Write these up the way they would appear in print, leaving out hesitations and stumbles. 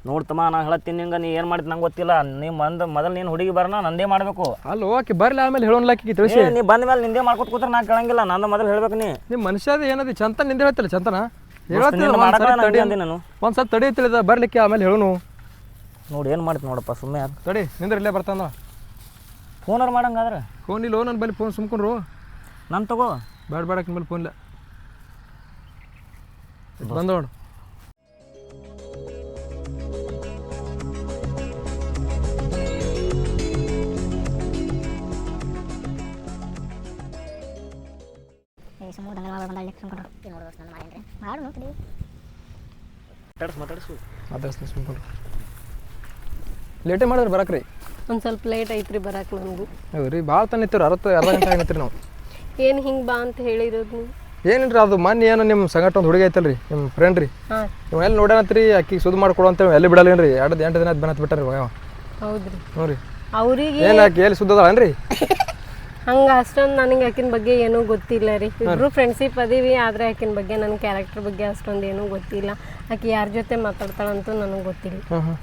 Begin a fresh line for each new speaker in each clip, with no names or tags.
ನೋಡ್ತಮ್ಮ ನಾ ಹೇಳತ್ತೀನಿ ನಿಂಗೆ ನೀ ಏನು ಮಾಡ್ತೀನಿ ನಂಗೆ ಗೊತ್ತಿಲ್ಲ ನೀ ಮೊದಲು ನೀನು ಹುಡುಗಿ ಬರೋಣ ನಂದೇ ಮಾಡಬೇಕು.
ಅಲ್ಲೋ ಆಕೆ ಬರಲಿ ಆಮೇಲೆ ಹೇಳೋನ್ಲಾಕಿ ತಿಳಿಸಿ.
ನೀ ಬಂದ ಮೇಲೆ ನಿಂದೇ ಮಾಡ್ಕೊತ ಕೂತ್ರೆ ನಾ ಕೇಳಂಗಿಲ್ಲ, ನಂದು ಮೊದಲು ಹೇಳ್ಬೇಕು. ನಿಮ್ಮ
ಮನುಷ್ಯದ ಏನದು ಚಂತ ನಿಂದೆ ಹೇಳ್ತಿಲ್ಲ ಚಂತನ
ನಾನು
ಒಂದ್ಸಲ ತಡಿ ತಿಳಿದ ಬರ್ಲಿಕ್ಕೆ ಆಮೇಲೆ ಹೇಳೋನು.
ನೋಡಿ ಏನು ಮಾಡ್ತೀನಿ ನೋಡಪ್ಪ ಸುಮ್ಮನೆ
ತಡಿ ನಿಂದ್ರೆ ಇಲ್ಲೇ ಬರ್ತಾನ
ಫೋನವ್ರು ಮಾಡಂಗಾದ್ರೆ.
ಫೋನ್ ಇಲ್ಲ ನನ್ನ ಬಲ್ಲಿ ಫೋನ್ ಸುಮ್ಕೊಂಡ್ರು
ನಾನು ತಗೋ
ಬೇಡ ಬೇಡಕ್ಕೆ ಮೇಲೆ ಫೋನ್ ಇಲ್ಲ ಬಂದ ನೋಡು. ಲೇಟೇ ಮಾಡಿದ್ರೆ ಬರಕ್ರಿ
ಒಂದು ಸ್ವಲ್ಪ ಲೇಟ್ ಐತ್ರಿ ಬರಕ್ಕೆ ನನಗೂ.
ಹೌದು ರೀ ಭಾಳ ತನ ನಿಂತೀವಿ ಅರ್ಧ ಗಂಟೆ ಆಗಿತ್ರಿ ನಾವು.
ಏನು ಹಿಂಗೆ ಬಾ ಅಂತ ಹೇಳಿರೋದು ನೀವು?
ಏನಿಲ್ರಿ ಅದು ಮೊನ್ನೆ ಏನು ನಿಮ್ಮ ಸಂಗಟ ಒಂದು ಹುಡುಗಿ ಐತಲ್ರಿ ನಿಮ್ಮ ಫ್ರೆಂಡ್ ರೀ, ನೀವು ಎಲ್ಲಿ ನೋಡ್ಯಾನತ್ರಿ ಆಕಿಗೆ ಸುದ್ದಿ ಮಾಡ್ಕೊಡು ಅಂತ ಎಲ್ಲಿ ಬಿಡಲ್ಲೇನ್ರಿ 2 ದಿನ ಬಂದು ಬಿಟ್ಟಾರಿ.
ಹೌದ್ರಿ
ಹ್ಞೂ ರೀ.
ಅವ್ರಿಗೆ
ಏನು ಆಕಿ ಎಲ್ಲಿ ಸುದ್ದ ಅದಾಳನ್ರಿ?
ಹಂಗೆ ಅಷ್ಟೊಂದು ನನಗೆ ಆಕಿನ ಬಗ್ಗೆ ಏನೂ ಗೊತ್ತಿಲ್ಲ ರೀ. ಇಬ್ಬರು ಫ್ರೆಂಡ್ಶಿಪ್ ಅದೀವಿ, ಆದರೆ ಆಕಿನ ಬಗ್ಗೆ ನನ್ನ ಕ್ಯಾರೆಕ್ಟರ್ ಬಗ್ಗೆ ಅಷ್ಟೊಂದು ಏನೂ ಗೊತ್ತಿಲ್ಲ. ಆಕೆ ಯಾರ ಜೊತೆ ಮಾತಾಡ್ತಾಳಂತೂ ನನಗೆ ಗೊತ್ತಿಲ್ಲ.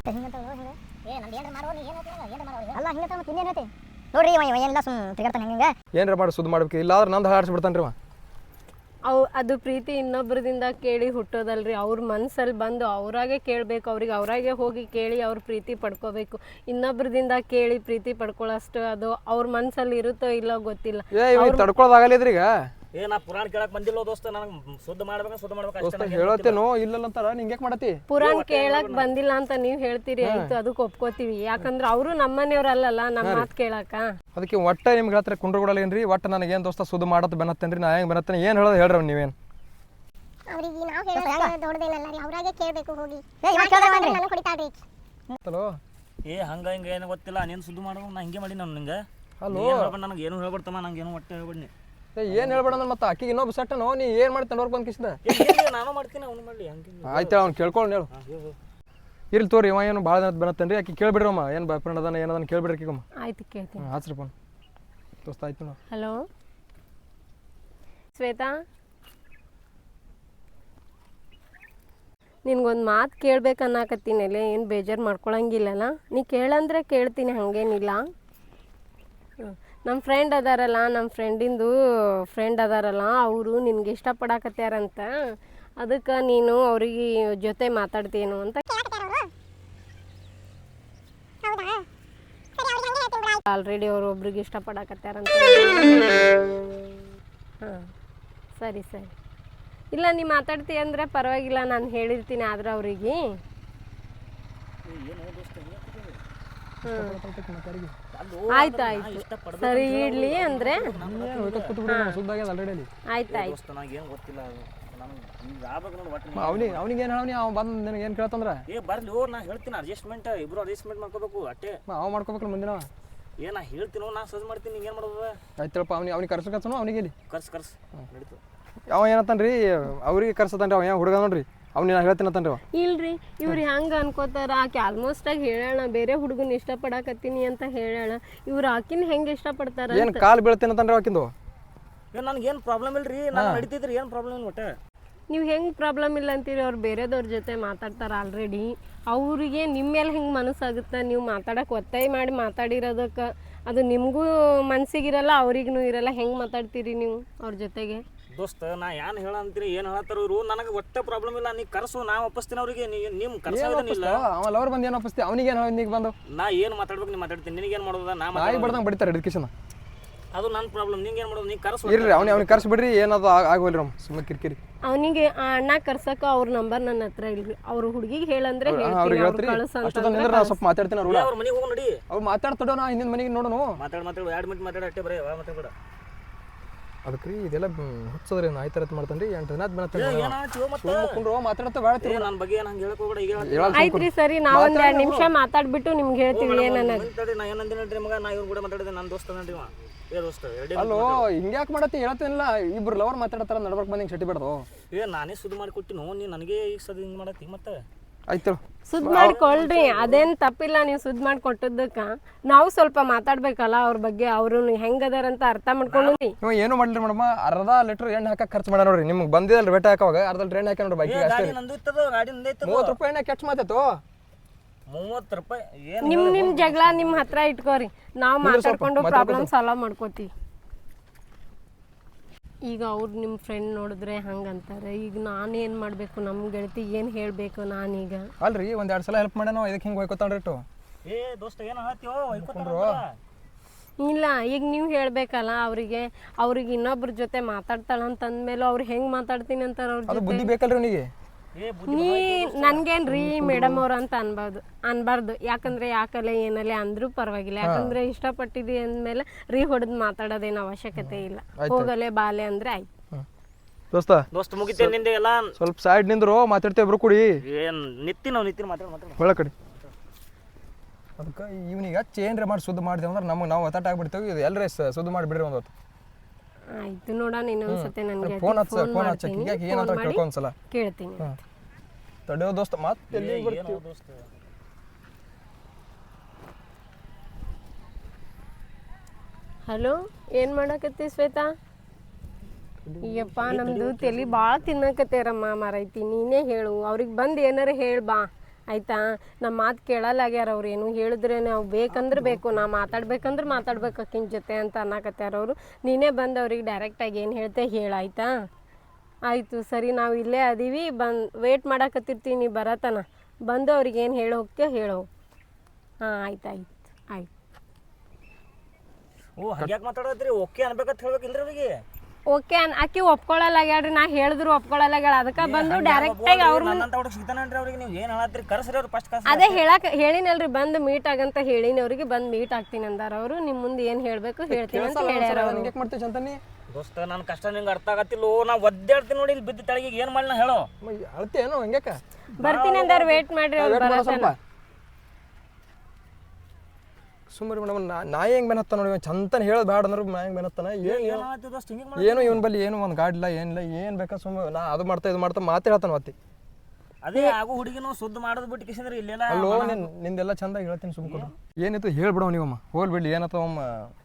ಏನ್ರ ಮಾಡಿ ಸುದ್ದಿ ಮಾಡ್ಬೇಕು, ಇಲ್ಲಾದ್ರೆ ನಂದು ಹಾರಿಸ್ಬಿಡ್ತಾನೆ ರೀ.
ಅದು ಪ್ರೀತಿ ಇನ್ನೊಬ್ಬರದಿಂದ ಕೇಳಿ ಹುಟ್ಟೋದಲ್ರಿ. ಅವ್ರ ಮನಸ್ಸಲ್ಲಿ ಬಂದು ಅವರಾಗೆ ಕೇಳಬೇಕು, ಅವ್ರಿಗೆ ಅವರಾಗೆ ಹೋಗಿ ಕೇಳಿ ಅವ್ರ ಪ್ರೀತಿ ಪಡ್ಕೋಬೇಕು. ಇನ್ನೊಬ್ಬರದಿಂದ ಕೇಳಿ ಪ್ರೀತಿ ಪಡ್ಕೊಳ್ಳೋಷ್ಟು ಅದು ಅವ್ರ ಮನಸ್ಸಲ್ಲಿ ಇರುತ್ತೋ ಇಲ್ಲೋ ಗೊತ್ತಿಲ್ಲ.
ತಡ್ಕೊಳ್ಳೋದಾಗಲಿದ್ರಿ ಈಗ.
ನಾ ಪುರಾಣ ಕೇಳಕ್ ಬಂದಿಲ್ಲ ದೋಸ್ತ, ನನಗೆ ಶುದ್ಧ ಮಾಡ್ಬೇಕು
ಹೇಳತ್ತೇನೋ ಇಲ್ಲಲ್ಲ ಅಂತಾರ ನಿಂಗೆ ಮಾಡತಿ.
ಪುರಾಣ ಕೇಳಕ್ ಬಂದಿಲ್ಲ ಅಂತ ನೀವ್ ಹೇಳ್ತೀರಿ, ಆಯ್ತು ಅದಕ್ಕೆ ಒಪ್ಕೋತೀವಿ. ಯಾಕಂದ್ರೆ ಅವರು ನಮ್ಮನೆಯವ್ರಲ್ಲ ನಮ್ಮ ಮಾತು ಕೇಳಕ.
ಅದಕ್ಕೆ ಒಟ್ಟ ನಿಮ್ಗೆ ಹತ್ರ ಕುಂಡ್ರಗೊಡಲ್ಲೇನ್ರಿ? ಒಟ್ಟು ನನಗೆ ಏನು ದೋಸ್ತ ಸುದ್ದಿ ಮಾಡತ್ ಬೆನ್ನತ್ತೇನ್ರಿ? ನಾ ಹೆಂಗೆ ಬೆನ್ನತ್ತೇನೆ ಏನು ಹೇಳೋದು ಹೇಳ್ರಿ ನೀವೇನು? ಹಲೋ
ಹಂಗ ಹಿಂಗ ಏನು ಗೊತ್ತಿಲ್ಲ, ನೀನು ಸುದ್ದಿ ಮಾಡೋ ನಾ ಹಿಂಗೆ ಮಾಡಿ ನಾನು ನಿಂಗೆ. ಹಲೋ ನನಗೆ ಏನು ಹೇಳ್ಬಿಡ್ತಮ್ಮ, ನಂಗೆ ಏನು ಒಟ್ಟೆ ಹೇಳ್ಬಿಡ್ನಿ.
ಏನು ಹೇಳ್ಬೇಡ ಅಂದ್ರೆ ಮತ್ತೆ ಆಕಿಗೆ ಇನ್ನೊಬ್ಬ ಸೆಟ್ಟನೋ ನೀ ಏನು ಮಾಡ್ತಾನೆ ಅವ್ರಿಗೆ ಬಂದು ಕಿಸಿದ
ನಾನು ಮಾಡ್ತೀನಿ ಅವ್ನು ಮಾಡಲಿ ಹಂಗೆ.
ಆಯ್ತು ಅವ್ನು ಕೇಳ್ಕೊಂಡು ಹೇಳು. ಇರ್ಲಿ ತೋರಿ ಇವ ಏನು ಭಾಳ ದಿನ ಬೆನ್ನತ್ತೇನ್ರಿ? ಆಕಿ ಕೇಳ್ಬಿಡ್ರಮ್ಮ ಏನು ಬಾಯ್ ಫ್ರೆಂಡ್ ಅದಾನ ಏನದನ್ನ ಕೇಳ್ಬಿಡ್ರಿ ಆಕಿಗಮ್ಮ.
ಆಯ್ತು ಕೇಳ್ತೀನಿ.
ಹಾಚ್ರಿ ಫೋನ್ ದೋಸ್ತ ಆಯ್ತು ನಾವು.
ಹಲೋ ಶ್ವೇತಾ, ನಿನ್ಗೊಂದು ಮಾತು ಕೇಳ್ಬೇಕನ್ನಾಕತ್ತೀನಲ್ಲ, ಏನು ಬೇಜಾರು ಮಾಡ್ಕೊಳಂಗಿಲ್ಲಲ್ಲ? ನೀ ಕೇಳಂದ್ರೆ ಕೇಳ್ತೀನಿ, ಹಾಗೇನಿಲ್ಲ. ನಮ್ಮ ಫ್ರೆಂಡ್ ಅದಾರಲ್ಲ, ನಮ್ಮ ಫ್ರೆಂಡ್ ಅದಾರಲ್ಲ, ಅವರು ನಿನ್ಗೆ ಇಷ್ಟಪಡಾಕತ್ಯಾರಂತ. ಅದಕ್ಕೆ ನೀನು ಅವ್ರಿಗೆ ಜೊತೆ ಮಾತಾಡ್ತೀನೋ ಅಂತ. ಆಲ್ರೆಡಿ ಅವರು ಒಬ್ರಿಗೆ ಇಷ್ಟಪಡಾಕತ್ಯಾರಂತ. ಹಾಂ ಸರಿ ಸರಿ. ಇಲ್ಲ ನೀ ಮಾತಾಡ್ತೀಯ ಅಂದರೆ ಪರವಾಗಿಲ್ಲ, ನಾನು ಹೇಳಿರ್ತೀನಿ. ಆದ್ರೆ ಅವ್ರಿಗೆ ಆಯ್ತು ಆಯ್ತು ಸರಿ ಇಡ್ಲಿ ಅಂದ್ರೆ ಆಯ್ತು ಆಯ್ತು.
ಅವನಿಗೆ ಏನು ಹೇಳಿ ಅವ ಬಂದು ನಿನಗೆ ಏನು ಕೇಳ್ತಂದ್ರ
ಬರ್ಲಿ ನಾ ಹೇಳ್ತೀನಿ. ಅಡ್ಜಸ್ಟ್ಮೆಂಟ್ ಇಬ್ರು ಅಡ್ಜಸ್ಟ್ಮೆಂಟ್ ಮಾಡ್ಕೋಬೇಕು ಅಷ್ಟೇ.
ಅವ ಮಾಡ್ಕೋಬೇಕಲ್ಲ ಮುಂದಿನ.
ನಾ ಹೇಳ್ತೀನಿ, ನಾ ಸಜ್ ಮಾಡ್ತೀನಿ, ನಿಂಗೆ ಏನು ಮಾಡೋದು?
ಆಯ್ತಪ್ಪ ಅವ್ನಿಗೆ ಕರ್ಸಕತ್ತನು ಅವನಿಗೆ ಇಲ್ಲಿ
ಕರ್ಸ್ ನಡೀತು.
ಅವ ಏನಂತಾನ್ರಿ ಅವ್ರಿಗೆ ಕರ್ಸತಾನ್ರಿ, ಅವ ಏನು ಹುಡುಗ ನೋಡ್ರಿ ಅವ್ನು ಹೇಳ್ತೀನಿ ಅಂತನ್ರಿ ಅವ.
ಇಲ್ರಿ ಇವ್ರು ಹೆಂಗೆ ಅನ್ಕೋತಾರ, ಆಕೆ ಆಲ್ಮೋಸ್ಟ್ ಆಗಿ ಹೇಳೋಣ ಬೇರೆ ಹುಡುಗನ ಇಷ್ಟಪಡಾಕತ್ತೀನಿ ಅಂತ ಹೇಳೋಣ. ಇವ್ರು ಆಕಿನ ಹೆಂಗೆ ಇಷ್ಟಪಡ್ತಾರ?
ಏನು ಕಾಲು ಬೀಳ್ತೇನೆ ಅಂತನ್ರಿ ಆಕಿಂದು.
ನನಗೇನು ಪ್ರಾಬ್ಲಮ್ ಇಲ್ರಿ, ನಾನು ನಡೀತಿದ್ರಿ, ಏನು ಪ್ರಾಬ್ಲಮ್ ಇಲ್ಲ ಒಟ್ಟೆ.
ನೀವು ಹೆಂಗೆ ಪ್ರಾಬ್ಲಮ್ ಇಲ್ಲ ಅಂತೀರಿ? ಅವ್ರು ಬೇರೆದವ್ರ ಜೊತೆ ಮಾತಾಡ್ತಾರೆ ಆಲ್ರೆಡಿ. ಅವರಿಗೆ ನಿಮ್ಮ ಮೇಲೆ ಹೆಂಗೆ ಮನಸ್ಸಾಗುತ್ತೆ? ನೀವು ಮಾತಾಡೋಕೆ ಒತ್ತಾಯ ಮಾಡಿ ಮಾತಾಡಿರೋದಕ್ಕೆ ಅದು ನಿಮಗೂ ಮನಸ್ಸಿಗಿರಲ್ಲ, ಅವ್ರಿಗೂ ಇರಲ್ಲ. ಹೆಂಗೆ ಮಾತಾಡ್ತೀರಿ ನೀವು ಅವ್ರ ಜೊತೆಗೆ?
ದೋಸ್ತ ನಾ ಏನು ಹೇಳಂತೀರಿ, ಏನು ಹೇಳತ್ತಾರ ಇವರು? ನನಗೆ ಒಟ್ಟೆ ಪ್ರಾಬ್ಲಮ್ ಇಲ್ಲ, ನೀ ಕರ್ಸು, ನಾ ಒಪ್ಪಿಸ್ತೀನಿ ಅವ್ರಿಗೆ. ನಿಮ್ಮ ಕರ್ಸೋದೇನಿಲ್ಲ.
ಆಮೇಲೆ ಅವ್ರು ಬಂದು ಏನು ಒಪ್ಪಿಸ್ತೀವಿ? ಅವನಿಗೆ ಏನು ಬಂದು
ನಾ ಏನು ಮಾತಾಡ್ಬೇಕು ನೀ ಮಾತಾಡ್ತೀನಿ, ನಿನಗೇನು ಮಾಡೋದ? ನಾ
ಬಡ್ದಂಗೆ ಬಡಿತಾರೆ ಎಡ್ಯುಕೇಶನ್.
ಅದು ನನ್ನ ಪ್ರಾಬ್ಲಮ್, ನಿಂಗೆ ಏನು ಮಾಡೋದು? ನೀ ಕರ್ಸು.
ಇರ್ರಿ ಅವ್ನಿಗೆ ಕರ್ಸಿ ಬಿಡ್ರಿ, ಏನದು ಆಗೋಲ್ರಿ ಅವ್ನು ಸುಮ್ಮನೆ ಕಿರಿಕಿರಿ.
ಅವನಿಗೆ ಆ ಅಣ್ಣ ಕರ್ಸಕ್ಕೆ ಅವ್ರ ನಂಬರ್ ನನ್ನ ಹತ್ರ ಇಲ್ರಿ. ಅವ್ರ ಹುಡುಗಿಗೆ ಹೇಳಂದ್ರೆ
ಸ್ವಲ್ಪ ಮಾತಾಡ್ತೀನಿ.
ಅವ್ರ ಮನೆಗೆ ಹೋಗಿ ನೋಡಿ,
ಅವ್ರು ಮಾತಾಡ್ತಾಡೋ ನಾ ಹಿಂದಿನ ಮನೆಗೆ ನೋಡೋಣ.
ಮಾತಾಡಿ 2 ಮಿನಿಟ್ ಮಾತಾಡಿ ಅಷ್ಟೇ, ಬರೀ ಮಾತಾಡ್ಬೇಡ.
ಅದಕ್ಕೆ ರೀ ಇದೆಲ್ಲ ಹುಚ್ಚದ್ರಿ ಆಯ್ತಾರ ಮಾಡ್ತಾನೆ ರೀ. 8 ದಿನ ಮಾತಾಡ್ತಾ ಬೇಡ
ನನ್ನ ಬಗ್ಗೆ ಏನು ಹಂಗೆ ಹೇಳಕ್ ಹೋಗ್ಬೇಡ. ಈಗ
ಆಯ್ತ್ರಿ ಸರಿ, ನಾವು ಒಂದು 2 ನಿಮಿಷ ಮಾತಾಡ್ಬಿಟ್ಟು ನಿಮ್ಗೆ ಹೇಳ್ತೀವಿ ಏನನ್ನೋದು.
ನಾ ಏನಂದಿನ ಹೇಳ್ರಿ ಮಗ, ನಾ ಇವ್ರು ಕೂಡ ಮಾತಾಡಿದೆ, ನನ್ನ ದೋಸ್ತ ನಡ್ರಿ ದೋಸ್ತ.
ಅಲ್ಲೋ ಹಿಂಗ್ಯಾಕೆ ಮಾಡತ್ತಿ? ಹೇಳ್ತೇನಿಲ್ಲ, ಇಬ್ರು ಲವರ್ ಮಾತಾಡ್ತಾರ, ನಡ್ಬರ್ಕ್ ಬಂದು ಹಿಂಗೆ ಶೆಟ್ಟಿ ಬಿಡ್ದು.
ನಾನೇ ಸುದ್ದಿ ಮಾಡಿ ಕೊಟ್ಟಿನೋ, ನೀ ನನಗೆ ಈಗ ಸದ್ ಹಿಂಗೆ ಮಾಡತ್ತಿ. ಮತ್ತೆ
ಆಯ್ತು
ಸುದ್ದಿ ಮಾಡ್ಕೊಳ್ರಿ, ಅದೇನು ತಪ್ಪಿಲ್ಲ. ನೀವು ಸುದ್ದಿ ಮಾಡಿ ಕೊಟ್ಟದಕ್ಕೆ ನಾವು ಸ್ವಲ್ಪ ಮಾತಾಡ್ಬೇಕಲ್ಲ ಅವ್ರ ಬಗ್ಗೆ. ಅವರು ಹೆಂಗದಾರಂತ ಅರ್ಥ ಮಾಡ್ಕೊಂಡು.
ನೀವು ಏನು ಮಾಡಲಿ ಮೇಡಮ್, ಅರ್ಧ ಲೀಟರ್ ಎಣ್ಣೆ ಹಾಕಿ ಖರ್ಚು ಮಾಡ ನೋಡ್ರಿ. ನಿಮ್ಗೆ ಬಂದಿಲ್ಲ ರೇಟ್ ಹಾಕವಾಗ ಅರ್ಧ ಲೀಟರ್ ಎಣ್ಣೆ ಹಾಕಿ ನೋಡ್ರಿ. ಬೈಕಿಗೆ ಅಷ್ಟೇ
30 ರೂಪಾಯಿ ಎಣ್ಣೆ
ಕೆಟ್ಟ ಮಾತಾಯ್ತು.
30 ರೂಪಾಯಿ ಏನು
ನಿಮ್ ಜಗಳ ನಿಮ್ ಹತ್ರ ಇಟ್ಕೋರಿ ನಾವು ಮಾತಾಡ್ಕೊಂಡು ಪ್ರಾಬ್ಲಮ್ ಸಾಲ್ವ್ ಮಾಡ್ಕೋತೀವಿ. ಈಗ ಅವ್ರು ನಿಮ್ಮ ಫ್ರೆಂಡ್ ನೋಡಿದ್ರೆ ಹಂಗಂತಾರೆ. ಈಗ ನಾನು ಏನು ಮಾಡಬೇಕು, ನಮ್ಮ ಗೆಳತಿ ಏನು ಹೇಳಬೇಕು ನಾನೀಗ?
ಅಲ್ರಿ ಒಂದು 2 ಸಲ ಹೆಲ್ಪ್ ಮಾಡ್ಯಾನ ಇದಕ್ಕೆ ಹಿಂಗೆ ಹೋಯ್ಕೋತಾಳ್ರಿ ಇಟ್ಟು.
ಏ ದೋಸ್ತ ಏನು ಹೇಳ್ತೀವೋ
ಇಲ್ಲ, ಈಗ ನೀವು ಹೇಳಬೇಕಲ್ಲ ಅವ್ರಿಗೆ ಇನ್ನೊಬ್ರ ಜೊತೆ ಮಾತಾಡ್ತಾಳಂತಂದ್ಮೇಲೆ ಅವ್ರು ಹೆಂಗೆ ಮಾತಾಡ್ತೀನಿ ಅಂತಾರೆ ಅವ್ರ
ಅದು
ಜೊತೆ.
ಬುದ್ಧಿ ಬೇಕಲ್ರಿ ಅವನಿಗೆ.
ನೀ ನನ್ಗೇನ್ರಿ ಮೇಡಮ್ ಅವ್ರು ಅಂತ ಅನ್ಬಾರ್ದು. ಯಾಕಂದ್ರೆ ಯಾಕಲ್ಲ ಏನಲ್ಲ ಅಂದ್ರೂ ಪರವಾಗಿಲ್ಲ. ಯಾಕಂದ್ರೆ ಇಷ್ಟಪಟ್ಟಿದ್ವಿ ಅಂದ್ಮೇಲೆ ಹೊಡೆದ್ ಮಾತಾಡೋದೇನು ಅವಶ್ಯಕತೆ ಇಲ್ಲ. ಹೋಗಲೆ ಬಾಲೆ ಅಂದ್ರೆ ಆಯ್ತು.
ದೋಸ್ತ
ಮುಗಿತೇನೆ ನಿಂದೆ ಎಲ್ಲ.
ಸ್ವಲ್ಪ ಸೈಡ್ ನಿಂದ್ರು ಮಾತಾಡ್ತೇವೆ ಇಬ್ರು ಕೂಡಿ.
ಏನು ನಿತ್ತಿ ಮಾತಾಡ
ಒಳ ಕಡೆ. ಅದಕ್ಕೆ ಇವನಿಗೆ ಹಚ್ಚಿ ಏನ್ರಿ ಮಾಡಿ ಸುದ್ದಿ ಮಾಡಿದೆ ಅಂದ್ರೆ ನಾವು ಒತ್ತಾಟ ಆಗ್ಬಿಡ್ತೇವೆ. ಇದು ಎಲ್ಲರೇ ಸುದ್ದಿ ಮಾಡಿಬಿಡ್ರಿ ಒಂದು ಹೊತ್ತು.
ಆಯ್ತು ನೋಡೋಣ, ಇನ್ನೊಂದ್ಸತಿ ನನಗೆ
ಫೋನ್ ಹಚ್ಚ ಏನಂತ ಕೇಳ್ಕೊಂಡ್ಸಲ
ಕೇಳ್ತೀನಿ.
ತಡೆಯೋ ದೋಸ್ತ ಮತ್ತೆ
ಹಲೋ, ಏನು ಮಾಡಕತ್ತಿ ಶ್ವೇತಾ? ಅಯ್ಯಪ್ಪ, ನಮ್ದು ತಲೆ ಭಾಳ ತಿನ್ನಕತ್ತೇರಮ್ಮ ಮಾರೈತಿ. ನೀನೇ ಹೇಳು, ಅವ್ರಿಗೆ ಬಂದು ಏನಾರ ಹೇಳಿ ಬಾ ಆಯ್ತಾ? ನಮ್ಮ ಮಾತು ಕೇಳಲ್ಲಾಗ್ಯಾರ ಅವ್ರು. ಏನು ಹೇಳಿದ್ರೆ ನಾವು ಬೇಕಂದ್ರೆ ಬೇಕು, ನಾ ಮಾತಾಡ್ಬೇಕಂದ್ರೆ ಮಾತಾಡ್ಬೇಕು ಅಕ್ಕಿನ ಜೊತೆ ಅಂತ ಅನ್ನಕತ್ಯಾರ ಅವರು. ನೀನೇ ಬಂದು ಅವ್ರಿಗೆ ಡೈರೆಕ್ಟಾಗಿ ಏನು ಹೇಳ್ತೆ ಹೇಳಾಯ್ತಾ? ಆಯಿತು ಸರಿ, ನಾವು ಇಲ್ಲೇ ಅದೀವಿ, ವೇಟ್ ಮಾಡಕತ್ತಿರ್ತೀವಿ. ನೀ ಬರತನ ಬಂದು ಅವ್ರಿಗೆ ಏನು ಹೇಳಿ ಹೋಗ್ತೀಯ ಹೇಳೋ. ಹಾಂ ಆಯ್ತು.
ಓ ಹಾಗ್ಯಾಕೆ ಮಾತಾಡತ್ರಿ? ಓಕೆ ಅನ್ಬೇಕಂತ ಹೇಳ್ಬೇಕಿಲ್ರಿ ಅವ್ರಿಗೆ?
ಓಕೆ ಆಕಿ ಒಪ್ಕೊಳ್ಳಲ್ಲಾಗ್ಯಾಡ್ರಿ. ನಾ ಹೇಳಿದ್ರು ಒಪ್ಕೊಳ್ಳಲ್ಲಾಗ್ಯಾಳ. ಅದಕ್ಕೆ ಬಂದು ಡೈರೆಕ್ಟಾಗಿ ಅವ್ರ ಅದೇ ಹೇಳಿನಲ್ರಿ, ಬಂದು ಮೀಟ್ ಆಗಂತ ಹೇಳಿನಿ ಅವ್ರಿಗೆ. ಬಂದು ಮೀಟ್ ಆಗ್ತೀನಿ ಅಂದಾರ ಅವರು. ನಿಮ್ಮ ಮುಂದೆ ಏನು ಹೇಳಬೇಕು ಹೇಳ್ತೀನಿ ಅಂತ ಹೇಳ್ಯಾರ ಅವರು.
ದೋಸ್ತ ನನ್ನ ಕಷ್ಟ ನಿಂಗೆ ಅರ್ಥ ಆಗತ್ತಿಲ್ಲ. ನಾ ಒದ್ದಾಡ್ತೀನಿ ನೋಡಿ, ಇಲ್ಲಿ ಬಿದ್ದ ತಳಗಿಗೆ ಏನು ಮಾಡಿ ನಾ ಹೇಳೋ.
ಅಳ್ತೇನು ಹಂಗ್ಯಾಕ?
ಬರ್ತೀನಿ ಅಂದಾರ, ವೇಟ್ ಮಾಡ್ರಿ ಅವ್ರು ಬರತ್ತಲ್ಲ.
ಸುಮ್ಮನೆ ಮೇಡಮ್, ನಾಯಿ ಹೆಂಗೆ ಬೆನತ್ತ ನೋಡಿ, ಚಂತನ ಹೇಳೋದು ಬೇಡ ಅಂದ್ರೆ ನಾ ಹೆಂಗೆ ಬೆನತ್ತಾನ? ಏನು ಇವನ್ ಬಲ್ಲಿ ಏನು ಒಂದು ಗಾಡಿ ಇಲ್ಲ ಏನಿಲ್ಲ, ಏನು ಬೇಕಾ ಸುಮ್ಮನೆ ನಾ ಅದು ಮಾಡ್ತಾ ಇದು ಮಾಡ್ತಾ ಮಾತಾಡ್ತಾನ ಮತ್ತೆ.
ಅದೇ ಆಗೋ ಹುಡುಗಿನೂ ಸುದ್ದಿ ಮಾಡೋದು ಬಿಟ್ಟು ಕಿಸಿದ್ರೆ ಇಲ್ಲೆಲ್ಲ.
ಅಲ್ಲೋ ನಿಂದೆಲ್ಲ ಚಂದಾಗಿ ಹೇಳ್ತೀನಿ ಸುಮ್ಕೊಂಡು. ಏನಿತ್ತು ಹೇಳ್ಬಿಡವ ನೀವಮ್ಮ, ಹೋಗ್ಬಿಡ್ಲಿ ಏನತ್ತವಮ್ಮ.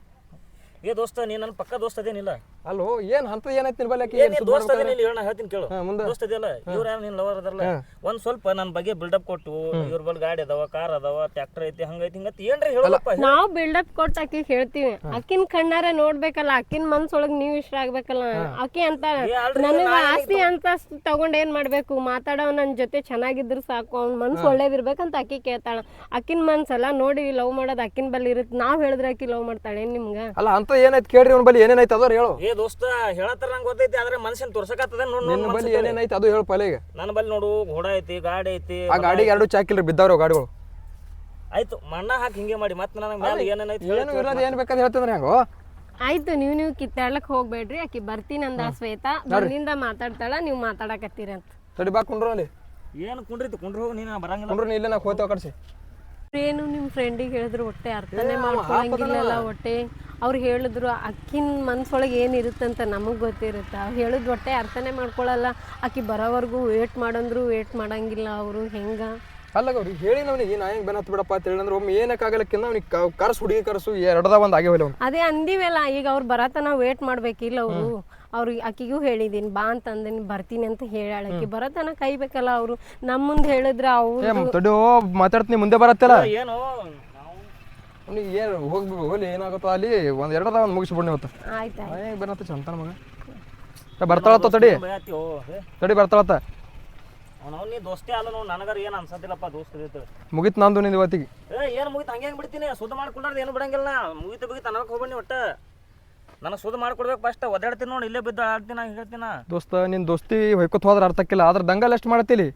ಏ ದೋಸ್ತ, ನೀ ನನ್ನ ಪಕ್ಕ ದೋಸ್ತ ಅದೇನಿಲ್ಲ?
ಅಲ್ಲೋ ಏನು ಅಂತ ಏನಾಯ್ತು ನಿನ್ ಬಲ್ಲಿ?
ದೋಸ್ತ ಅದೇನಿಲ್ಲ ಹೇಳ, ಹೇಳ್ತೀನಿ ಕೇಳು. ದೋಸ್ತ ಇದೆಯಲ್ಲ, ಇವ್ರ ಯಾರು ನಿನ್ ಲವರ್ ಅದಲ್ಲ, ಒಂದ್ ಸ್ವಲ್ಪ ನನ್ನ ಬಗ್ಗೆ ಬಿಲ್ಡಪ್ ಕೊಟ್ಟು, ಇವ್ರ ಬಲ್ ಗಾಡಿ ಅದಾವ, ಕಾರ್ ಅದಾವ, ಟ್ರ್ಯಾಕ್ಟರ್ ಐತಿ, ಹಂಗೈತಿ ಹಿಂಗತಿ ಏನ್ರಿ ಹೇಳಪ್ಪ.
ನಾವು ಬಿಲ್ಡಪ್ ಕೊಟ್ಟು ಆಕಿ ಹೇಳ್ತೀವಿ. ಅಕ್ಕಿನ ಕಣ್ಣಾರ ನೋಡ್ಬೇಕಲ್ಲ, ಅಕ್ಕಿನ ಮನ್ಸೊಳಗ್ ನೀವ್ ಇಷ್ಟ ಆಗ್ಬೇಕಲ್ಲ. ಆಕಿ ಅಂತ ನನಗ ಆಸ್ತಿ ಅಂತ ತಗೊಂಡ್ ಏನ್ ಮಾಡ್ಬೇಕು? ಮಾತಾಡೋ ನನ್ ಜೊತೆ ಚೆನ್ನಾಗಿದ್ರು ಸಾಕು, ಅವ್ನ ಮನ್ಸು ಒಳ್ಳೇದಿರ್ಬೇಕಂತ ಆಕಿ ಕೇಳ್ತಾಳ. ಅಕ್ಕಿನ ಮನ್ಸಲ್ಲ ನೋಡಿ ಲವ್ ಮಾಡೋದ್ ಅಕ್ಕಿನ ಬಲ್ಲಿ ಇರುತ್ತೆ. ನಾವ್ ಹೇಳಿದ್ರೆ ಆಕಿ ಲವ್ ಮಾಡ್ತಾಳೆ ನಿಮ್ಗ?
ಅಲ್ಲ ಅಂತ ಏನಾಯ್ತು ಕೇಳ್ರಿ, ಅವ್ನ ಬಲ್ಲಿ ಏನೇನಾಯ್ತು ಅದ್ರ ಹೇಳು.
ಏ ದೋಸ್ತ ಹೇಳತ್ತಾರ ನಂಗೆ ಗೊತ್ತೈತಿ, ಆದ್ರೆ ಮನುಷ್ಯನ್ ತೋರ್ಸಕತ್ತದ ನೋಡ್.
ನನ್ನ ಬಲ್ಲಿ ಏನೇನಾಯ್ತು ಅದು ಹೇಳು ಪೈಲೆ. ಈಗ
ನನ್ನ ಬಲ್ಲಿ ನೋಡು, ಘೋಡ ಐತಿ, ಗಾಡಿ ಐತಿ.
ಆ ಗಾಡಿಗೆ 2 ಚಾಕಿಲ್ರಿ ಬಿದ್ದಾವ್ರಿ ಗಾಡಿಗಳು.
ಆಯ್ತು ಮಣ್ಣ ಹಾಕಿ ಹಿಂಗೆ ಮಾಡಿ ಮತ್ತೆ ನನಗೆ ಮೇಲೆ ಏನೇನಾಯ್ತು
ಏನು ಇರೋದು ಏನು ಬೇಕಾದ್ರೆ ಹೇಳ್ತಂದ್ರೆ ಹೆಂಗೋ.
ಆಯ್ತು, ನೀವು ಕಿತ್ತಾಡ್ಲಕ್ ಹೋಗ್ಬೇಡ್ರಿ. ಆಕಿ ಬರ್ತೀನಿ ಅಂದ ಶ್ವೇತಾ, ಬಂದಿಂದ ಮಾತಾಡ್ತಾಳ, ನೀವು ಮಾತಾಡಕತ್ತೀರ ಅಂತ.
ತಡಿ ಬಾ ಕುಂಡ್ರು ಅಲ್ಲಿ.
ಏನು ಕುಂಡ್ರಿ ಹೋಗಿ, ನೀನು ಬರಂಗಿಲ್ಲ.
ಕುಂಡ್ರು ಇಲ್ಲೇ ನಾ ಹೋಗ್ತೇವೆ ಕಡ್ಸಿ.
ಏನು ನಿಮ್ಮ ಫ್ರೆಂಡಿಗೆ ಹೇಳಿದ್ರು ಹೊಟ್ಟೆ ಅರ್ಥನೇ ಮಾಡ್ಕೊಳಂಗಿಲ್ಲಲ್ಲ. ಹೊಟ್ಟೆ ಅವ್ರು ಹೇಳಿದ್ರು ಅಕ್ಕಿನ ಮನ್ಸೊಳಗೆ ಏನಿರುತ್ತಂತ ನಮಗೆ ಗೊತ್ತಿರುತ್ತೆ. ಅವ್ರು ಹೇಳಿದ್ ಹೊಟ್ಟೆ ಅರ್ಥನೇ ಮಾಡ್ಕೊಳಲ್ಲ. ಆಕಿ ಬರೋವರೆಗೂ ವೇಟ್ ಮಾಡಂದ್ರು ವೇಟ್ ಮಾಡಂಗಿಲ್ಲ ಅವರು. ಹೆಂಗ
ಅಲ್ಲ ಅವ್ರಿಗೆ ಹೇಳಿ ನವನಿಗೆ ನಾ ಹೆಂಗೆ ಬೆನ್ನತ್ ಬಿಡಪ್ಪ ಅಂತ ಹೇಳಿ ಅಂದ್ರೆ ಒಮ್ಮೆ ಏನಕ್ಕಾಗಲಕ್ಕಿಂತ ಅವ್ನಿಗೆ ಕರ್ಸು ಹುಡುಗಿ ಕರ್ಸು ಎರಡದ ಒಂದು ಆಗೇವಲ್ಲ ಅವ್ನು.
ಅದೇ ಅಂದಿವಲ್ಲ, ಈಗ ಅವ್ರು ಬರತನ ವೇಟ್ ಮಾಡ್ಬೇಕಿಲ್ಲ ಅವರು. ಅವ್ರಿಗೆ ಆಕಿಗೂ ಹೇಳಿದೀನಿ ಬಾ ಅಂತಂದಿನಿ, ಬರ್ತೀನಿ ಅಂತ ಹೇಳಾಳ. ಆಕಿ ಬರತನ ಕೈಬೇಕಲ್ಲ ಅವರು. ನಮ್ಮ ಮುಂದೆ ಹೇಳಿದ್ರೆ ಅವ್ರು
ತಡಿ ಮಾತಾಡ್ತೀನಿ ಮುಂದೆ ಬರತ್ತಲ್ಲ.
ಏನು
ಅವ್ನಿಗೆ ಏನು ಹೋಗ್ಬೇಕು ಹೋಲಿ ಏನಾಗುತ್ತೋ ಅಲ್ಲಿ ಒಂದು ಎರಡದ ಒಂದು ಮುಗಿಸ್ಬಿಡ್ನಿ ಇವತ್ತು.
ಆಯ್ತಾ
ಹೆಂಗೆ ಬೆನ್ನತ್ತ ಚಂತನ ಮಗ ಬರ್ತಾಳತ್ತ. ತಡಿ ಬರ್ತಾಳತ್ತ.
ನೀ ದೋಸ್ತಿ ಅಲ್ಲ ನೋಡು, ನನಗಾರ ಏನು ಅನ್ಸತ್ತಿಲ್ಲಪ್ಪ. ದೋಸ್ತ
ಮುಗಿತು ನಂದು ನಿಂದು ಇವತ್ತಿಗೆ.
ಏನು ಮುಗಿತು ಹಂಗೆ ಬಿಡ್ತೀನಿ. ಸುದ್ದ ಮಾಡ್ಕೊಂಡ್ರೆ ಏನು ಬಿಡಂಗಿಲ್ಲ. ಮುಗಿತು ಅನ್ನೋಕೆ ಹೋಗ್ಬಣ್ಣಿ ಒಟ್ಟು. ನನಗೆ ಸುದ್ದ ಮಾಡ್ಕೊಡ್ಬೇಕು. ಫಸ್ಟ್ ಒದ್ದಾಡ್ತೀನಿ ನೋಡಿ, ಇಲ್ಲೇ ಬಿದ್ದು ಆಡ್ತೀನಿ ಹೇಳ್ತೀನಿ.
ದೋಸ್ತ ನಿನ್ನ ದೋಸ್ತಿ ಹೊಯ್ಕೊತ್ ಹೋದ್ರೆ ಅರ್ಥಕ್ಕಿಲ್ಲ, ಆದ್ರೆ ದಂಗಲ್ ಎಷ್ಟು ಮಾಡತ್ತಿಲಿ.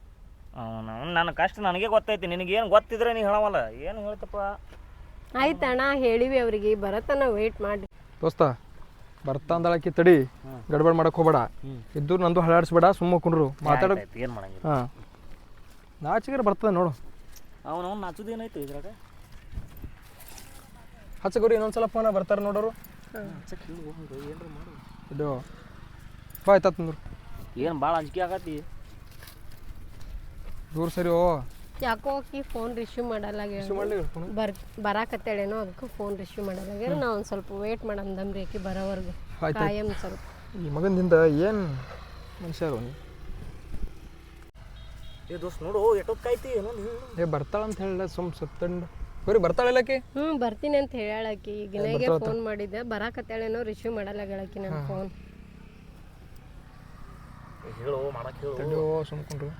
ನನ್ನ ಕಷ್ಟ ನನಗೆ ಗೊತ್ತೈತಿ, ನಿನಗೇನು ಗೊತ್ತಿದ್ರೆ ನೀ ಹೇಳವಲ್ಲ. ಏನು ಹೇಳ್ತಪ್ಪ.
ಆಯ್ತಣ್ಣ, ಹೇಳಿವಿ ಅವ್ರಿಗೆ, ಬರತನ ವೇಟ್ ಮಾಡಿ.
ದೋಸ್ತ ಬರ್ತಾ ಅಂದಳಕಿ, ತಡಿ ಗಡ್ಬಡ್ ಮಾಡಕ್ ಹೋಗ್ಬೇಡ. ಇದ್ದು ನಂದು ಹಳಾಡಿಸ್ಬೇಡ, ಸುಮ್ಮ ಕುಂಡ್ರು ಮಾತಾಡ.
ಏನು ಮಾಡಂಗಿಲ್ಲ.
ಹಾಂ ನಾಚಿಗೆ ಬರ್ತದೆ ನೋಡು.
ಅವನು ನಾಚುದು ಏನಾಯ್ತು ಇದ್ರಾಗ?
ಹಚ್ಚಗೋರಿ ಇನ್ನೊಂದ್ಸಲ ಫೋನ ಬರ್ತಾರೆ ನೋಡೋರು. ಇದು ಆಯ್ತು ನೋಡು.
ಏನು ಭಾಳ ಅಂಜಿಕೆ ಆಗತ್ತಿ.
ದೂರ ಸರಿ. ಓ
ಯಾಕೋ ಆಕಿ ಫೋನ್ ರಿಸೀವ್ ಮಾಡಲ್ಲ. ಬರಾಕತ್ತೇಳೇನೋ, ಅದಕ್ಕೂ ಫೋನ್ ರಿಸೀವ್ ಮಾಡಲ್ಲ. ನಾವು ಒಂದು ಸ್ವಲ್ಪ ವೇಟ್ ಮಾಡಂದಮ್ರಿ ಆಕಿ ಬರೋವರೆಗೂ. ಕಾಯಂ ಸ್ವಲ್ಪ.
ಈ ಮಗನಿಂದ ಏನು ಮನುಷ್ಯರು.
ಏ ದೋಸ್ತ್ ನೋಡು ಎಷ್ಟೊತ್ತು ಕಾಯ್ತಿ ಏನೊಂದು ಹೇಳು.
ಏ ಬರ್ತಾಳ ಅಂತ ಹೇಳ ಸುತ್ತಂಡು ಬರೀ ಬರ್ತಾಳಿಲ್ಲಕಿ.
ಬರ್ತೀನಿ ಅಂತ ಹೇಳಾಕಿ ಈಗ ನನಗೆ ಫೋನ್ ಮಾಡಿದ್ದೆ ಬರಾಕತ್ತೇಳೇನೋ ರಿಸೀವ್ ಮಾಡಲ್ಲ ಹೇಳಾಕಿ ನನ್ನ ಫೋನ್.
ಹೇಳು ಮಾಡಕ್ಕೆ ಹೇಳು.
ತಡಿಯೋ ಸುಮ್ಕೊಂಡ್ರು.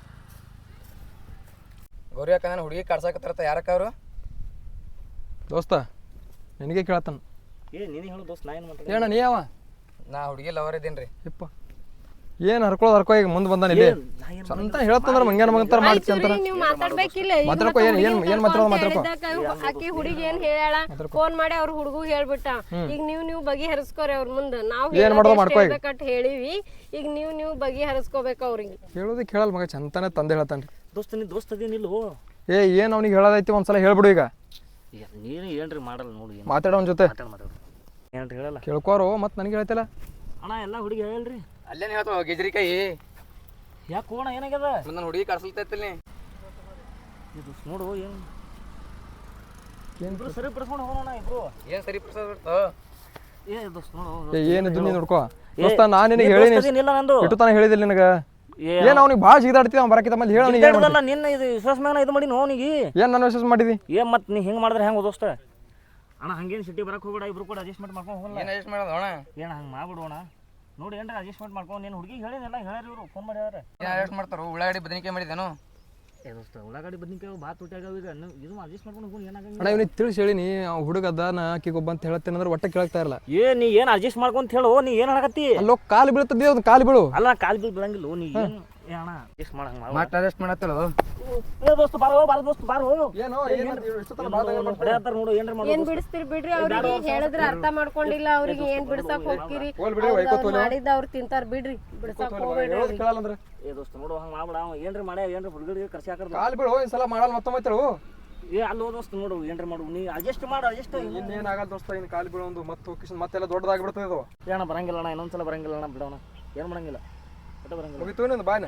ಗೌರಿ ಅಕ್ಕ ನಾನು ಹುಡುಗಿ ಕಾಡ್ಸಾಕತ್ತಾರತ್ತ ಯಾರಕ್ಕ ಅವರು?
ದೋಸ್ತ ನಿನಗೆ ಕೇಳತ್ತಾನ.
ಏ ನೀನು ಹೇಳು ದೋಸ್ತ್ ನಾ ಏನು ಮಾತಾಡ.
ಏನ ನೀ ಯಾವ?
ನಾ ಹುಡುಗಿ ಲವರ್ ಇದ್ದೀನಿ ರೀ.
ಯಪ್ಪ ಏನು ಹರ್ಕೋ ಈಗ ಮುಂದೆ ಬಂದಾನ ಇಲ್ಲಿ ಅಂತ ಹೇಳ್ತಂದ್ರೆ ಮಂಗ್ಯಾನ ಮಗಂತಾರ ಮಾಡ್ತಿ ಅಂತಾರ.
ನೀವು ಮಾತಾಡ್ಬೇಕಿಲ್ಲ
ಮಾತಾಡ್ಕೋ ಏನ್ ಮಾತಾಡ್ಕೋ.
ಆಕಿ ಹುಡುಗಿ ಏನ್ ಹೇಳ ಫೋನ್ ಮಾಡಿ ಅವ್ರ ಹುಡುಗು ಹೇಳ್ಬಿಟ್ಟ. ಈಗ ನೀವು ಬಗೆಹರಿಸ್ಕೋರಿ ಅವ್ರ ಮುಂದೆ. ನಾವು ಹೇಳ್ಬೇಕಂತ ಹೇಳಿವಿ, ಈಗ ನೀವು ಬಗೆಹರಿಸ್ಕೋಬೇಕು ಅವ್ರಿಗೆ.
ಹೇಳೋದಕ್ಕೆ ಹೇಳಲ್ ಮಗ ಚಂತಾನೆ ತಂದೆ ಹೇಳ್ತಾನ್ರಿ.
ದೋಸ್ತ ನೀ ದೋಸ್ತ್ ಅದೇನಿಲ್ವೋ?
ಏನ್ ಅವ್ನಿಗೆ ಹೇಳೋದೈತಿ ಒಂದ್ಸಲ ಹೇಳ್ಬಿಡು ಈಗ.
ನೀನು ಏನ್ರಿ ಮಾಡಲ್ಲ ನೋಡಿ.
ಮಾತಾಡೋ ಅವ್ನ ಜೊತೆ
ಮಾತಾಡು ಏನ್ರಿ ಹೇಳಲ್ಲ.
ಕೇಳ್ಕೋರು ಮತ್ತೆ ನನಗೆ ಹೇಳ್ತಿಲ್ಲ.
ಅಣ್ಣ ಎಲ್ಲ ಹುಡುಗಿ ಹೇಳ್ರಿ.
ಅಲ್ಲೇನು ಹೇಳ್ತಾವ ಗೆಜ್ರಿಕಾಯಿ?
ಯಾಕೆ ಹೋಗೋಣ ಏನಾಗ್ಯದ?
ನನ್ನ ಹುಡುಗಿ ಕಾಡ್ಸಲ್ತೈತಿಲ್ಲಿ.
ಇದು ನೋಡು ಏನು ಇಬ್ರು ಸರಿ ಪಡಿಸ್ಕೊಂಡು ಹೋಗೋಣ ಇಬ್ರು.
ಏನು ಸರಿ ಪ್ರಸಾದ ಬಿಡ್ತಾವ?
ಏ ದೋಸ್ತ್ ನೋಡು
ಏನಿದ್ದು ನೀನು ನೋಡ್ಕೋ ದೋಸ್ತ. ನಾನು ನಿನಗೆ ಹೇಳಿನಿ
ಇಲ್ಲ ನಂದು
ಇಟ್ಟು ತಾನೇ ಹೇಳಿದಿಲ್ಲ ನಿನಗೆ. ಏನ್ ಅವ್ನಿಗೆ ಭಾಳ ಸಿಗಾಡ್ತೀವಿ ಅವ್ನು ಬರಕಿತ್ತ ಮೇಲೆ ಹೇಳ.
ನಿನ್ನ ಇದು ವಿಶ್ವಾಸ ಮ್ಯಾಗ ಇದು ಮಾಡಿ ಅವನಿಗೆ
ಏನ್ ನಾನು ವಿಶ್ವಾಸ ಮಾಡಿದಿ?
ಏನ್ ಮತ್ತೆ ನೀ ಹಿಂಗೆ ಮಾಡಿದ್ರೆ ಹೆಂಗೆ ದೋಸ್ತ? ಅಣ್ಣ ಹಂಗೇನು ಸಿಟಿ ಬರಕ್ಕೆ ಹೋಗ್ಬೇಡ, ಇಬ್ರು ಕೂಡ ಅಡ್ಜಸ್ಟ್ಮೆಂಟ್ ಮಾಡ್ಕೊಂಡು ಹೋಗಲ್ಲ.
ಏನು ಅಡ್ಜಸ್ಟ್ ಮಾಡೋದು ಅಣ್ಣ?
ಏನು ಹಂಗೆ ಮಾಡ್ಬಿಡೋಣ ನೋಡಿ. ಏನ್ರ ಅಡ್ಜಸ್ಟ್ಮೆಂಟ್ ಮಾಡ್ಕೊಂಡು ನೀನು ಹುಡುಗಿ ಹೇಳಿದೆಲ್ಲ ಹೇಳ್ಯಾರ ಇವರು ಫೋನ್ ಮಾಡ್ಯಾರ.
ಏನು ಅಡ್ಜಸ್ಟ್ ಮಾಡ್ತಾರೋ? ಉಳ್ಳಾಗಡ್ಡಿ ಬದನಿಕಾಯಿ ಮಾಡಿದೇನು?
ಏ ದೋಸ್ತ ಉಳ್ಳಾಗಡ್ಡಿ ಬದ್ನಿಕಾಯಿ ಭಾಳ ತುಟ್ಟಾಗ್ಯಾವ ಈಗ. ಇದು ಅಡ್ಜಸ್ಟ್ ಮಾಡ್ಕೊಂಡು ಹೋಗಿ ಏನಾಗಂಗಿಲ್ಲ.
ಅಣ್ಣ ಇವ್ನಿಗೆ ತಿಳಿಸಿ ಹೇಳಿನಿ ಅವ್ನು ಹುಡುಗ ಅದಾನ ಆಕಿಗೊಬ್ಬ ಅಂತ ಹೇಳ್ತೇನೆ ಅಂದ್ರೆ ಒಟ್ಟೆ ಕೇಳ್ತಾ ಇರಲ್ಲ.
ನೀ ಏನು ಅಡ್ಜಸ್ಟ್ ಮಾಡ್ಕೊಂತ ಹೇಳು. ನೀ ಏನು ಹಾಕತ್ತಿ?
ಅಲ್ಲೋ ಕಾಲು ಬೀಳ್ತದೆ ಒಂದು ಕಾಲು ಬೀಳು.
ಅಲ್ಲ ಕಾಲು ಬೀಳ್ ಬೀಳಂಗಿಲ್ಲ. ನೀ ಏನು ಏ ಅಣ್ಣ ಅಡ್ಜಸ್ಟ್ ಮಾಡಂಗೆ
ಮಾಟ ಅಡ್ಜಸ್ಟ್ ಮಾಡತ್ತಲ್ಲ.
ಏ ದೋಸ್ತ ಬಾರೋ ದೋಸ್ತ ಬಾರೋ.
ಏನೋ
ಹೊಡ್ಯಾತಾರ ನೋಡು ಏನ್ರ ಮಾಡೋದು.
ಏನ್ ಬಿಡಿಸ್ತೀರಿ ಬಿಡ್ರಿ. ಅವ್ರಿಗೆ ಹೇಳಿದ್ರೆ ಅರ್ಥ ಮಾಡ್ಕೊಂಡಿಲ್ಲ. ಅವ್ರಿಗೆ ಏನ್ ಬಿಡ್ಸಕ್ ಹೋಗ್ತೀರಿ? ಮಾಡಿದ್ದ ಅವ್ರು ತಿಂತಾರ ಬಿಡ್ರಿ. ಬಿಡ್ಸಕ್ ಹೋಗ್ಬೇಡ್ರಿ.
ಏ ದೋಸ್ತ ನೋಡು ಹಂಗೆ ಮಾಡ್ಬೇಡ. ಏನ್ರಿ ಮಾಡ್ಯ ಏನ್ರ ಹುಡುಗರಿಗೆ ಕರ್ಸಿ ಹಾಕರ್
ಕಾಲು ಬೀಳು ಈ ಸಲ ಮಾಡಲ್ಲ ಮತ್ತೊಮ್ಮೆ.
ಏ ಅಲ್ಲೋ ದೋಸ್ತ ನೋಡು ಏನ್ರ ಮಾಡು. ನೀ ಅಡ್ಜಸ್ಟ್ ಮಾಡು. ಅಡ್ಜಸ್ಟ್
ಇನ್ನೇನಾಗಲ್ಲ ದೋಸ್ತ. ಇನ್ನು ಕಾಲು ಬೀಳು ಒಂದು ಮತ್ತೆಲ್ಲ ದೊಡ್ಡದಾಗ್ಬಿಡ್ತದೆ ಇದು.
ಏನ ಬರಂಗಿಲ್ಲ ಅಣ್ಣ. ಇನ್ನೊಂದ್ಸಲ ಬರಂಗಿಲ್ಲ ಅಣ್ಣ. ಬಿಡೋಣ ಏನು ಮಾಡಂಗಿಲ್ಲ. ಒಟ್ಟ ಬರಂಗಿಲ್ಲ.
ಮುಗಿತು ಇನ್ನೊಂದು ಬಾಯ್ನ.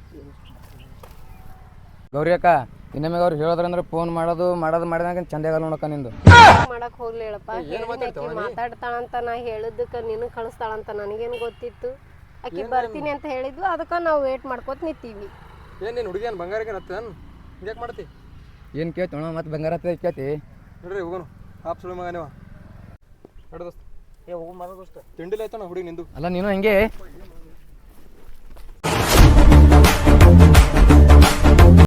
ಗೌರಿ ಅಕ್ಕ ಇನ್ನೊಮ್ಮೆ ಅವ್ರು ಹೇಳೋದ್ರಂದ್ರೆ ಫೋನ್ ಮಾಡಿದಾಗ ಚಂದ ಆಗಲ್ಲ ನೋಡಕ್ಕ ನಿಂದು.
ಮಾಡಕ್ ಹೋಗ್ಲಿ ಹೇಳಪ್ಪ. ಮಾತಾಡ್ತಾಳಂತ ನಾ ಹೇಳಿದ್ದಕ್ಕ ನೀನು ಕಳಿಸ್ತಾಳಂತ ನನಗೇನು ಗೊತ್ತಿತ್ತು. ಆಕಿ ಬರ್ತೀನಿ ಅಂತ ಹೇಳಿದ್ವು, ಅದಕ್ಕೆ ನಾವು ವೇಟ್ ಮಾಡ್ಕೋತ ನಿಂತೀವಿ.
ಏನ್ ನೀನು ಹುಡುಗಿ ಏನು ಬಂಗಾರಕ್ಕೆ ಹತ್ತೇನು? ಹಿಂಗ್ಯಾಕೆ ಮಾಡ್ತಿ?
ಏನು ಕೇಳ್ತೋಣ ಮತ್ತೆ ಬಂಗಾರ ಕೇಳ್ತಿ?
ನೋಡ್ರಿ ಹೋಗೋನು ಹಾಪ್ ಸುಳಿ ಮಗ ನೀವು. ನೋಡು ದೋಸ್ತ
ಏ ಹೋಗು ಮರ ದೋಸ್ತ.
ತಿಂಡಿಲ್ಲ ಆಯ್ತಾನ ಹುಡುಗಿ ನಿಂದು.
ಅಲ್ಲ ನೀನು ಹಂಗೆ